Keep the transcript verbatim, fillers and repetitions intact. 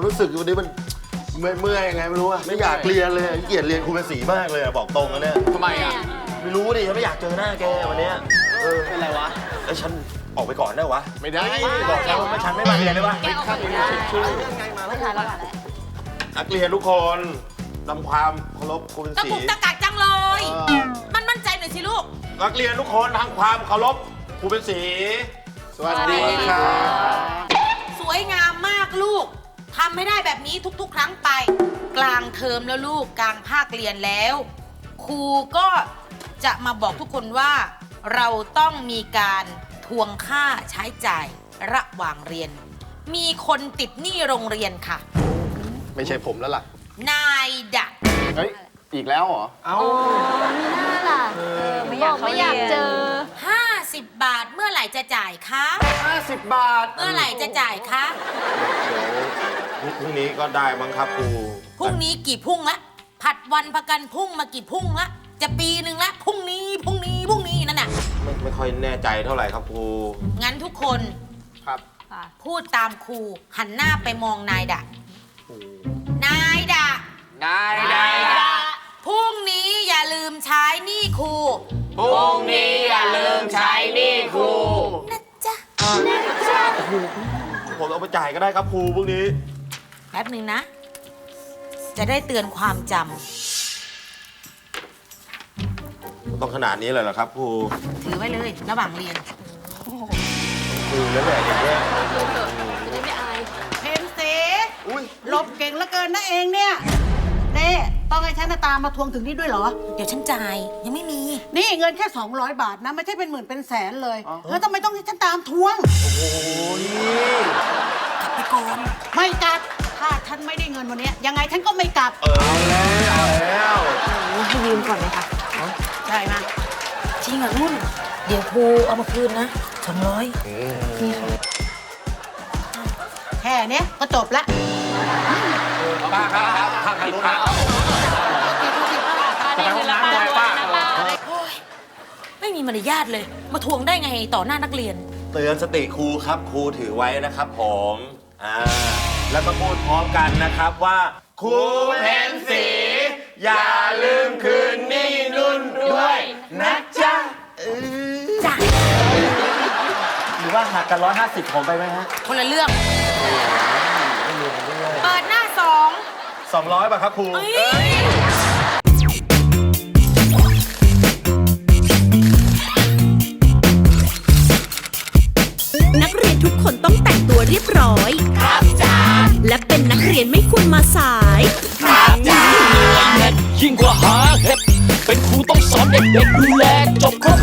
รู้สึกวันนี้มันเมื่อยเมื่อยยังไงไม่รู้อะไม่อยากเรียนเลยเกลียดเรียนครูเป็นสีมากเลยอะบอกตรงนะเนี่ยทำไมอ่ะไม่รู้ดิไม่อยากเจอหน้าแกวันเนี้ยเออเป็นไรวะไอ้ฉันออกไปก่อนได้วะไม่ได้บอกแล้วว่าฉันไม่มาเรียนได้ปะแกออกไปได้ไม่ทันแล้วแหละนักเรียนทุกคนนำความเคารพครูเป็นตะสีกุกตะกักจังเลย มันมั่นใจหน่อยสิลูกนักเรียนทุกคนทำความเคารพครูเป็นสีสวัสดีครับสวยงามมากลูกทำให้ได้แบบนี้ทุกๆ ครั้งไป กลางเทอมแล้วลูกกลางภาคเรียนแล้วครูก็จะมาบอกทุกคนว่า เราต้องมีการทวงค่าใช้จ่ายระหว่างเรียน มีคนติดหนี้โรงเรียนค่ะไม่ใช่ผมแล้วล่ะนายดะเฮ้ย อีกแล้วเหรอเอ้ามีหน้าล่ะไม่อยากไม่อยากเจอห้าสิบบาทเมื่อไหร่จะจ่ายคะห้าสิบบาทเมื่อไหร่จะจ่ายคะเดี๋ยวพรุ่งนี้ก็ได้มั้งครับครูพรุ่งนี้กี่พุ่งละผัดวันประกันพรุ่งมากี่พุ่งละจะปีหนึ่งละพรุ่งนี้พรุ่งนี้พรุ่งนี้นั่นน่ะไม่ไม่ค่อยแน่ใจเท่าไหร่ครับครูงั้นทุกคนครับพูดตามครูหันหน้าไปมองนายดะนายดะได้นายดะพรุ่งนี้อย่าลืมใช้หนี้ครูพรุ่งนี้อย่าลืมใช้หนี้ครูนะจ๊ะผมเอาไปจ่ายก็ได้ครับครูพรุ่งนี้แป๊บหนึ่งนะ จะได้เตือนความจต้องขนาดนี้เลยเหรอครับครูำถือไว้เลยระหว่างเรียนครูแล้วแหละอย่างเงี้ยเพนสีหลบเก่งเหลือเกินนะเองเนี่ยเน่ต้องให้ฉันตามมาทวงถึงนี่ด้วยเหรอเดี๋ยวฉันจ่ายยังไม่มีนี่เงินแค่สองร้อยบาทนะ ไม่ใช่เป็นหมื่นเป็นแสนเลยแล้วทำไมต้องให้ฉันตามทวงกลับไปก่อนไม่กลับ ถ้าฉันไม่ได้เงินวันนี้ยังไงฉันก็ไม่กลับเออเอาแล้วให้ยืมก่อนไหมคะได้มาจริงเหรอนุ่น เดี๋ยวครูเอามาคืนนะสองร้อยแค่เนี้ยก็จบละป้าครับครับข้างๆป้าไปห้องน้ำด้วยป้าโอ้ยไม่มีมารยาทเลย มาทวงได้ไงต่อหน้านักเรียนเตือนสติครูครับครูถือไว้นะครับผมอ่าแล้วก็พูดพร้อมกันนะครับว่าครูเพนสีอย่าลืมคืนหนี้นุ่นด้วยนะจ๊ะเออจ้ะหรือว่าหักกันร้อยห้าสิบผมไปไหมฮะคนละเรื่อง เปิดหน้าสองสองร้อยป่ะครับครูเอ้ยนักเรียนทุกคนต้องแต่งตัวเรียบร้อย ครับจ้าและเป็นนักเรียนไม่ควรมาสายยิ่งกว่าหาเห็ดเป็นครูต้องสอนเด็กๆดูแลจบครบ